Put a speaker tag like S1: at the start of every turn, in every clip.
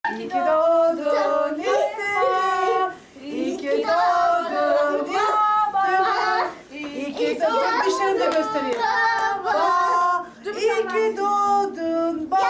S1: İyi ki doğdun İstem. İyi ki doğdun İstem. İyi ki doğdun. Dişlerini de göstereyim. Baba. İyi ki doğdun baba.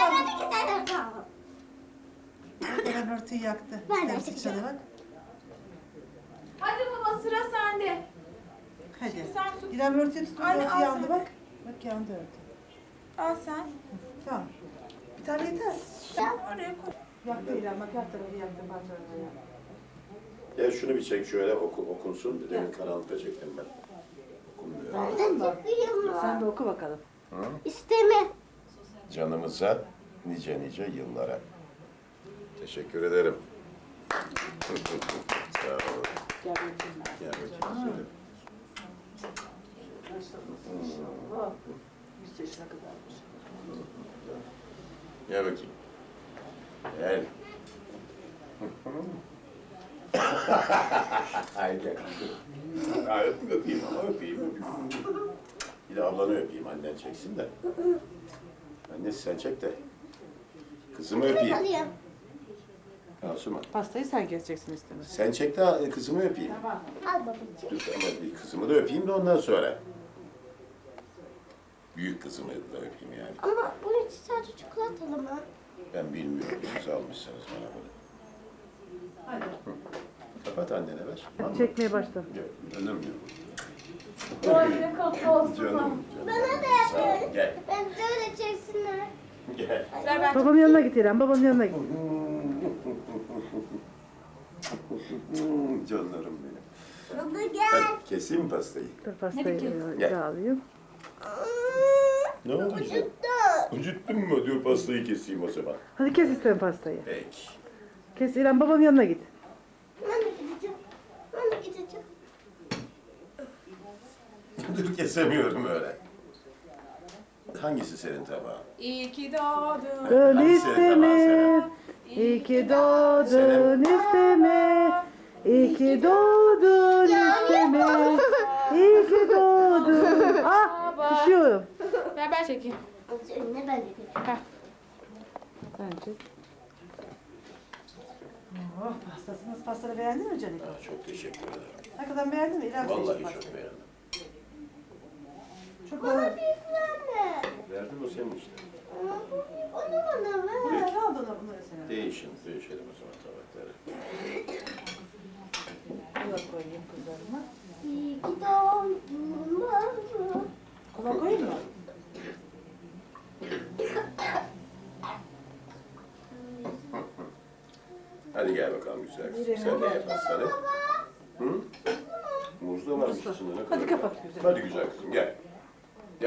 S1: Ben örtüyü yaktı. İstem sıçradı bak.
S2: Hadi baba sıra sende.
S1: Hadi.
S2: Sen tut.
S1: İrem örtüyü tuttu.
S2: Anne,
S1: Örtü
S2: al
S1: yandı
S2: sen.
S1: bak. Bak yandı örtü.
S2: Al sen.
S1: Tamam. Bir tane yeter.
S2: Oraya koy.
S1: Yaktı İrem bak her tarafı yaktı. Parçalarını yaktı.
S3: Ya şunu bir çek şöyle okunsun. Bir de karanlıkta çektim ben. Okunmuyor.
S1: Aldın mı? Sen de oku bakalım.
S4: İsteme.
S3: Canımıza nice nice yıllara. Teşekkür ederim. Sağ olun.
S1: Gel bakayım.
S3: Gel bakayım söyle.
S1: Oh, 100 yaşına kadarmış.
S3: Gel bakayım. Gel. Ay gel. Ay, öpeyim ama öpeyim. Bir de ablanı öpeyim, annen çeksin de. Annesi sen çek de. Kızımı öpeyim.
S4: Alayım.
S3: Asuman.
S1: Pastayı sen keseceksin istemez.
S3: Sen çek de kızımı öpeyim.
S4: Al babacığım.
S3: Dur ama bir kızımı da öpeyim de ondan sonra. Büyük kızımı da öpeyim yani.
S4: Ama bunun için sadece çikolatalı mı?
S3: Ben bilmiyorum, siz almışsınız bana bunu.
S1: Hadi.
S3: Kapat annene ver.
S1: Hadi çekmeye başla.
S3: Gel, önüm yok.
S2: Doğru kapı olsun.
S3: Canım.
S4: Bana da
S3: Sağ ol,
S4: yapın.
S3: gel.
S4: Ben de öyle çeksinler.
S3: Gel.
S2: Ver ben.
S1: Babamın yanına git İrem. Babamın yanına git.
S3: Canlarım benim.
S4: Baba gel.
S3: Hadi keseyim mi pastayı?
S1: Dur pastayı
S3: Gel.
S1: da alayım.
S3: Ne oldu işte? Acıttın mı? Diyor pastayı keseyim o zaman.
S1: Hadi kes istem pastayı.
S3: Peki.
S1: Kes İrem babamın yanına git.
S4: Ben de gideceğim. Ben de gideceğim.
S3: Dur kesemiyorum öyle. Hangisi senin tabağın?
S2: İyi ki doğdun.
S1: Dön
S3: Hadi senin tabağın
S1: isteme.
S3: Seren.
S1: İyi ki doğdun isteme. İyi ki doğdun isteme. İyi ki doğdun. Ah düşüyorum.
S2: Ver ben çekeyim.
S4: Önüne ben de gideceğim.
S1: Sen çek. Oh pastasınız. Pastanı beğendin mi Canik?
S3: Aa, çok teşekkür ederim.
S1: Hakikaten beğendin mi? İrem
S3: Vallahi
S1: seçti
S3: çok
S1: pastayı.
S3: beğendim.
S1: Çok
S4: Bana
S1: beğendim.
S4: bir tane.
S3: Verdim o senin işte.
S4: Onu bana ver.
S1: Ver al da bunları sana.
S3: Değişelim o zaman tabakları.
S1: Kola koyayım kızlarıma.
S4: İyi ki doğdun baba.
S1: Kola koyayım mı?
S3: Hadi gel bakalım güzel kızım. Sen de ye pastanı. Hı? Muz da varmış içinde. Ne kadar
S1: Hadi
S3: güzel.
S1: kapat güzel.
S3: Hadi güzel kızım gel.